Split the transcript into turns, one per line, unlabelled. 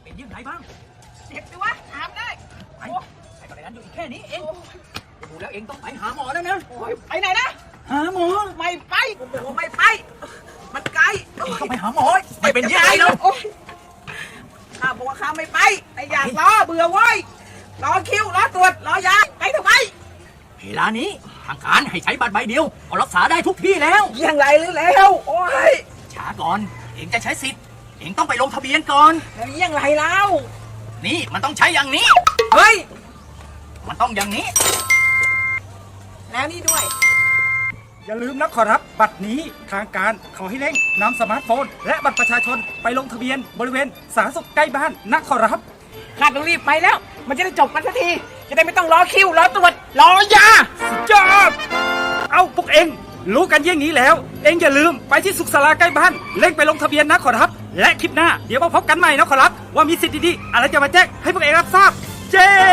องยื่นไหนบ้าง
เจ็บดิวะถามได้
ไปไอ้กระไรนั้นอยู่อีกแค่นี้เองดูแล้วเองต้องไปหาหมอแล้วนะ
โอ้ยไปไหนนะ
หาหมอ
ไม่ไปผมบอกว่าไม่ไป มันไกล
เองต้องไปหาหมอไม่เป็นยังไงหรอก
โอ้ยข้าบอกว่าข้าไม่ไปไอ้อยากรอเบื่อเว้ยรอคิวรอตรวจรอยาไปทำไม
เวลานี้ทางการให้ใช้บัตรใบเดียวก็รักษาได้ทุกที่แล้ว
ยังไรหรือแล้วโอ้ย
ช้าก่อนเองจะใช้สิทธิ์เองต้องไปลงทะเบียนก่อน
แล้วยังไรแล้ว
นี่มันต้องใช้อย่างนี้
เฮ้ย
มันต้องอย่างนี้
แล้วนี่ด้วย
อย่าลืมนะขอรับบัตรนี้ทางการขอให้เร่งนำสมาร์ทโฟน และบัตรประชาชนไปลงทะเบียนบริเวณสาธารณสุขใกล้บ้านนะขอรับ
ข้าต้องรีบไปแล้ว มันจะได้จบกันสักที จะได้ไม่ต้องรอคิวรอตรวจรอยา
จอบเอาพวกเองรู้กันเยี่ยงนี้แล้ว เองอย่าลืมไปที่สุขศาลาใกล้บ้านเร่งไปลงทะเบียนนะขอรับ และคลิปหน้าเดี๋ยวมาพบกันใหม่นะขอรับ ว่ามีสิทธิ์ดีๆอะไรจะมาแจ้งให้พวกเองรับทราบเจ้